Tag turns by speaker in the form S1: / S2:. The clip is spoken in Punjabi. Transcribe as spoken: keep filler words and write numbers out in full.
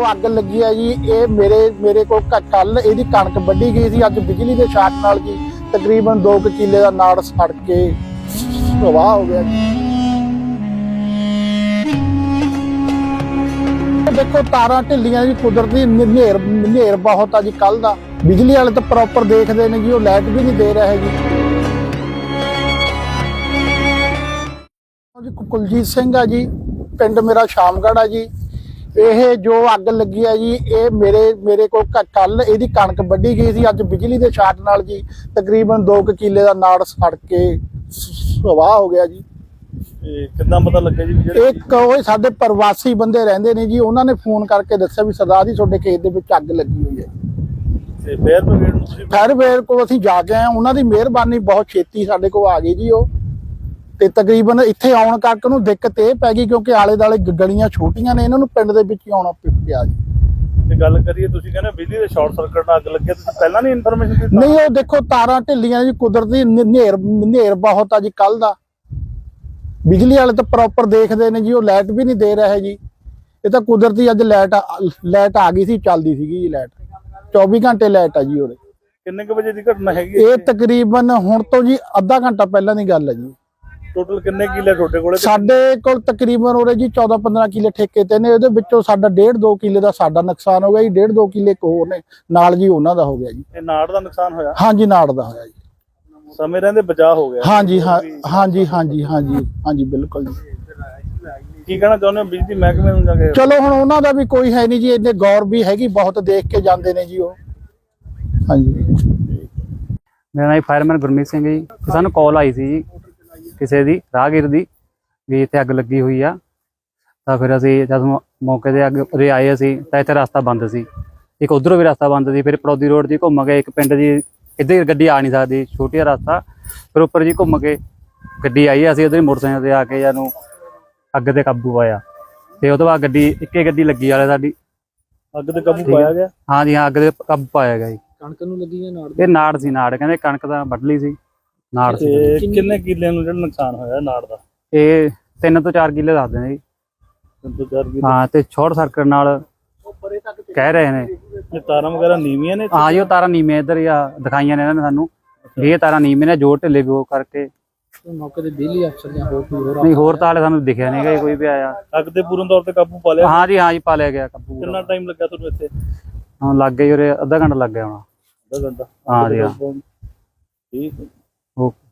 S1: ਅੱਗ ਲੱਗੀ ਹੈ ਜੀ ਇਹ ਮੇਰੇ ਮੇਰੇ ਕੋਲ ਕੱਲ ਇਹਦੀ ਕਣਕ ਵੱਢੀ ਗਈ ਸੀ। ਅੱਜ ਬਿਜਲੀ ਦੇ ਸ਼ਾਟ ਨਾਲ ਜੀ ਤਕਰੀਬਨ ਦੋ ਕੁ ਕਿੱਲੇ ਦਾ ਨਾੜ ਸੜ ਕੇ ਸਵਾਹ ਹੋ ਗਿਆ ਜੀ। ਦੇਖੋ ਤਾਰਾਂ ਢਿੱਲੀਆਂ ਜੀ, ਕੁਦਰਤੀ ਹਨੇਰ ਹਨੇਰ ਬਹੁਤ ਆ ਜੀ। ਕੱਲ ਦਾ ਬਿਜਲੀ ਵਾਲੇ ਤਾਂ ਪ੍ਰੋਪਰ ਦੇਖਦੇ ਨੇ ਜੀ, ਉਹ ਲਾਈਟ ਵੀ ਨਹੀਂ ਦੇ ਰਹੇ ਜੀ। ਜੀ ਕੁਲਜੀਤ ਸਿੰਘ ਆ ਜੀ, ਪਿੰਡ ਮੇਰਾ ਸ਼ਾਮਗੜ੍ਹ ਆ ਜੀ। ਇਹ ਜੋ ਅੱਗ ਲੱਗੀ ਆ ਜੀ ਇਹ ਮੇਰੇ ਮੇਰੇ ਕੋਲ ਕੱਲ ਇਹਦੀ ਕਣਕ ਵੱਢੀ ਗਈ ਸੀ। ਅੱਜ ਬਿਜਲੀ ਦੇ ਸ਼ਾਟ ਨਾਲ ਜੀ ਤਕਰੀਬਨ ਦੋ ਕੁ ਕਿੱਲੇ ਦਾ ਨਾੜ ਸੜ ਕੇ ਸਵਾਹ ਹੋ ਗਿਆ ਜੀ।
S2: ਕਿੱਦਾਂ ਪਤਾ ਲੱਗਿਆ ਜੀ?
S1: ਇੱਕ ਉਹ ਸਾਡੇ ਪ੍ਰਵਾਸੀ ਬੰਦੇ ਰਹਿੰਦੇ ਨੇ ਜੀ, ਉਹਨਾਂ ਨੇ ਫੋਨ ਕਰਕੇ ਦੱਸਿਆ ਵੀ ਸਰਦਾਰ ਜੀ ਤੁਹਾਡੇ ਖੇਤ ਦੇ ਵਿੱਚ ਅੱਗ ਲੱਗੀ ਹੋਈ ਹੈ।
S2: ਤੇ ਫਾਇਰ ਬ੍ਰਿਗੇਡ ਨੂੰ ਤੁਸੀਂ
S1: ਫਾਇਰ ਬ੍ਰਿਗੇਡ ਕੋਲ ਅਸੀਂ ਜਾ ਕੇ ਆਏ, ਉਹਨਾਂ ਦੀ ਮਿਹਰਬਾਨੀ ਬਹੁਤ ਛੇਤੀ ਸਾਡੇ ਕੋਲ ਆ ਗਈ ਜੀ। ਉਹ ਤੇ ਤਕਰੀਬਨ ਇੱਥੇ ਆਉਣ ਕਰਕੇ ਉਹਨੂੰ ਦਿੱਕਤ ਇਹ ਪੈ ਗਈ ਕਿਉਂਕਿ ਆਲੇ ਦੁਆਲੇ ਗਲੀਆਂ ਛੋਟੀਆਂ ਨੇ, ਇਹਨਾਂ ਨੂੰ ਪਿੰਡ ਦੇ ਵਿੱਚ ਹੀ ਆਉਣਾ ਪਿਆ ਜੀ।
S2: ਤੇ ਗੱਲ ਕਰੀਏ, ਤੁਸੀਂ ਕਹਿੰਦੇ ਬਿਜਲੀ ਦੇ ਸ਼ਾਰਟ ਸਰਕਟ ਨਾਲ ਅੱਗ ਲੱਗੀ, ਤੁਸੀਂ ਪਹਿਲਾਂ ਨਹੀਂ ਇਨਫੋਰਮੇਸ਼ਨ ਦਿੱਤੀ?
S1: ਨਹੀਂ, ਉਹ ਦੇਖੋ ਤਾਰਾਂ ਢਿੱਲੀਆਂ ਜੀ, ਕੁਦਰਤੀ ਹਨੇਰ ਹਨੇਰ ਬਹੁਤ ਆ ਜੀ। ਕੱਲ ਦਾ ਬਿਜਲੀ ਵਾਲੇ ਤਾਂ ਪ੍ਰੋਪਰ ਦੇਖਦੇ ਨੇ ਜੀ, ਉਹ ਲਾਈਟ ਵੀ ਨਹੀਂ ਦੇ ਰਹੇ ਜੀ। ਇਹ ਤਾਂ ਕੁਦਰਤੀ ਅੱਜ ਲਾਈਟ ਲਾਈਟ ਆ ਗਈ ਸੀ, ਚੱਲਦੀ ਸੀਗੀ ਜੀ ਲਾਈਟ, ਚੌਵੀ ਘੰਟੇ ਲਾਈਟ ਆ ਜੀ। ਉਹਦੇ
S2: ਕਿੰਨੇ ਕੁ ਵਜੇ ਦੀ ਘਟਨਾ ਹੈਗੀ
S1: ਇਹ? ਤਕਰੀਬਨ ਹੁਣ ਤੋਂ ਜੀ ਅੱਧਾ ਘੰਟਾ ਪਹਿਲਾਂ ਦੀ ਗੱਲ ਹੈ ਜੀ।
S2: ਟੋਟਲ ਕਿੰਨੇ ਕਿੱਲੇ ਤੁਹਾਡੇ ਕੋਲੇ?
S1: ਸਾਡੇ ਕੋਲ ਤਕਰੀਬਨ ਉਹਦੇ ਜੀ ਚੌਦਾਂ ਪੰਦਰਾਂ ਕਿੱਲੇ ਠੇਕੇ ਤੇ ਨੇ। ਉਹਦੇ ਵਿੱਚੋਂ ਸਾਡਾ ਡੇਢ ਦੋ ਕਿੱਲੇ ਦਾ ਸਾਡਾ ਨੁਕਸਾਨ ਹੋ ਗਿਆ ਜੀ। ਡੇਢ ਦੋ ਕਿੱਲੇ ਇੱਕ ਹੋਰ ਨੇ ਨਾਲ ਜੀ, ਉਹਨਾਂ ਦਾ ਹੋ ਗਿਆ ਜੀ।
S2: ਇਹ ਨਾੜ ਦਾ ਨੁਕਸਾਨ ਹੋਇਆ?
S1: ਹਾਂਜੀ, ਨਾੜ ਦਾ ਹੋਇਆ ਜੀ।
S2: ਸਮੇਂ ਰਹਿੰਦੇ ਬਚਾਅ ਹੋ ਗਿਆ?
S1: ਹਾਂਜੀ ਹਾਂ ਹਾਂਜੀ ਹਾਂਜੀ ਹਾਂਜੀ ਹਾਂਜੀ ਬਿਲਕੁਲ ਜੀ।
S2: ਕੀ ਕਹਿਣਾ ਚਾਹੁੰਦੇ ਹੋ ਬਿਜਲੀ ਮਹਿਕਮੇ ਨੂੰ ਜਾ ਕੇ?
S1: ਚਲੋ ਹੁਣ ਉਹਨਾਂ ਦਾ ਵੀ ਕੋਈ ਹੈ ਨਹੀਂ ਜੀ, ਇੰਨੇ ਗੌਰ ਵੀ ਹੈਗੀ, ਬਹੁਤ ਦੇਖ ਕੇ ਜਾਂਦੇ ਨੇ ਜੀ ਉਹ। ਹਾਂਜੀ,
S3: ਮੇਰਾ ਨਾਮ ਫਾਇਰਮੈਨ ਗੁਰਮੀਤ ਸਿੰਘ ਜੀ। ਸਾਨੂੰ ਕਾਲ ਆਈ ਸੀ ਜੀ ਕਿਸੇ ਦੀ ਰਾਹਗੀਰ ਦੀ ਵੀ ਇੱਥੇ ਅੱਗ ਲੱਗੀ ਹੋਈ ਆ। ਤਾਂ ਫਿਰ ਅਸੀਂ ਜਦ ਮੌਕੇ ਤੇ ਅੱਗ ਉਰੇ ਆਏ ਅਸੀਂ ਤਾਂ ਇੱਥੇ ਰਸਤਾ ਬੰਦ ਸੀ, ਇੱਕ ਉਧਰੋਂ ਵੀ ਰਸਤਾ ਬੰਦ ਸੀ। ਫਿਰ ਪੜੌਦੀ ਰੋਡ ਦੀ ਘੁੰਮ ਕੇ ਇੱਕ ਪਿੰਡ ਦੀ ਇੱਧਰ ਗੱਡੀ ਆ ਨਹੀਂ ਸਕਦੀ, ਛੋਟੀ ਜਿਹਾ ਰਸਤਾ, ਫਿਰ ਉੱਪਰ ਜੀ ਘੁੰਮ ਕੇ ਗੱਡੀ ਆਈ। ਅਸੀਂ ਉਧਰ ਮੋਟਰਸਾਈਕਲ ਤੇ ਆ ਕੇ ਜਾਨੂੰ ਅੱਗ ਤੇ ਕਾਬੂ ਪਾਇਆ। ਤੇ ਉਹ ਤੋਂ ਬਾਅਦ ਗੱਡੀ ਇੱਕੇ ਗੱਡੀ ਲੱਗੀ ਵਾਲੇ ਸਾਡੀ
S2: ਅੱਗ ਤੇ ਕਾਬੂ ਪਾਇਆ ਗਿਆ?
S3: ਹਾਂ ਜੀ ਹਾਂ, ਅੱਗ ਤੇ ਕਾਬੂ ਪਾਇਆ ਗਿਆ ਜੀ।
S1: ਕਣਕ ਨੂੰ ਲੱਗੀ ਹੈ ਨਾੜ?
S3: ਇਹ ਨਾੜ ਸੀ, ਨਾੜ ਕਹਿੰਦੇ ਕਣਕ ਤਾਂ ਵੱਢ ਲਈ ਸੀ, ਨਾੜ ਸੀ।
S2: ਕਿੰਨੇ ਕਿੱਲਿਆਂ ਨੂੰ ਜਿਹੜਾ ਨੁਕਸਾਨ ਹੋਇਆ ਨਾੜ ਦਾ?
S3: ਇਹ ਤਿੰਨ ਤੋਂ ਚਾਰ ਕਿੱਲੇ ਦੱਸਦੇ ਨੇ ਜੀ।
S2: ਤਿੰਨ ਤੋਂ ਚਾਰ ਕਿੱਲੇ?
S3: ਹਾਂ, ਤੇ ਸ਼ਾਰਟ ਸਰਕਟ ਨਾਲ ਕਹਿ ਰਹੇ ਨੇ।
S2: ਇਹ ਤਾਰਾਂ ਵਗੈਰਾ ਨੀਵੀਆਂ ਨੇ?
S3: ਹਾਂ ਜੀ, ਉਹ ਤਾਰਾਂ ਨੀਵੀਆਂ ਇੱਧਰ ਆ ਦਿਖਾਈਆਂ ਨੇ ਇਹਨਾਂ ਨੇ ਸਾਨੂੰ ਵੀ ਇਹ ਤਾਰਾਂ ਨੀਵੀਆਂ ਨੇ, ਜੋੜ ਢਿੱਲੇ ਵੀ ਉਹ ਕਰਕੇ।
S1: ਮੌਕੇ ਤੇ ਬਿਜਲੀ ਅਫਸਰ ਜਾਂ ਹੋਰ ਕੋਈ ਹੋਰ?
S3: ਨਹੀਂ, ਹੋਰ ਤਾਂ ਹਾਲੇ ਸਾਨੂੰ ਦਿਖਿਆ ਨਹੀਂ ਗਾ ਕੋਈ ਵੀ ਆਇਆ।
S2: ਅੱਗ ਤੇ ਪੂਰਨ ਤੌਰ ਤੇ ਕਾਬੂ ਪਾ ਲਿਆ?
S3: ਹਾਂ ਜੀ ਹਾਂ ਜੀ, ਪਾ ਲਿਆ ਗਿਆ ਕਾਬੂ।
S2: ਕਿੰਨਾ ਟਾਈਮ ਲੱਗਾ ਤੁਹਾਨੂੰ ਇੱਥੇ?
S3: ਹਾਂ, ਲੱਗ ਗਈ ਉਰੇ ਅੱਧਾ ਘੰਟਾ ਲੱਗ ਗਿਆ ਹੋਣਾ।
S2: ਅੱਧਾ ਘੰਟਾ?
S3: ਹਾਂ ਜੀ ਹਾਂ,
S2: ਠੀਕ।
S3: ਓਕੇ।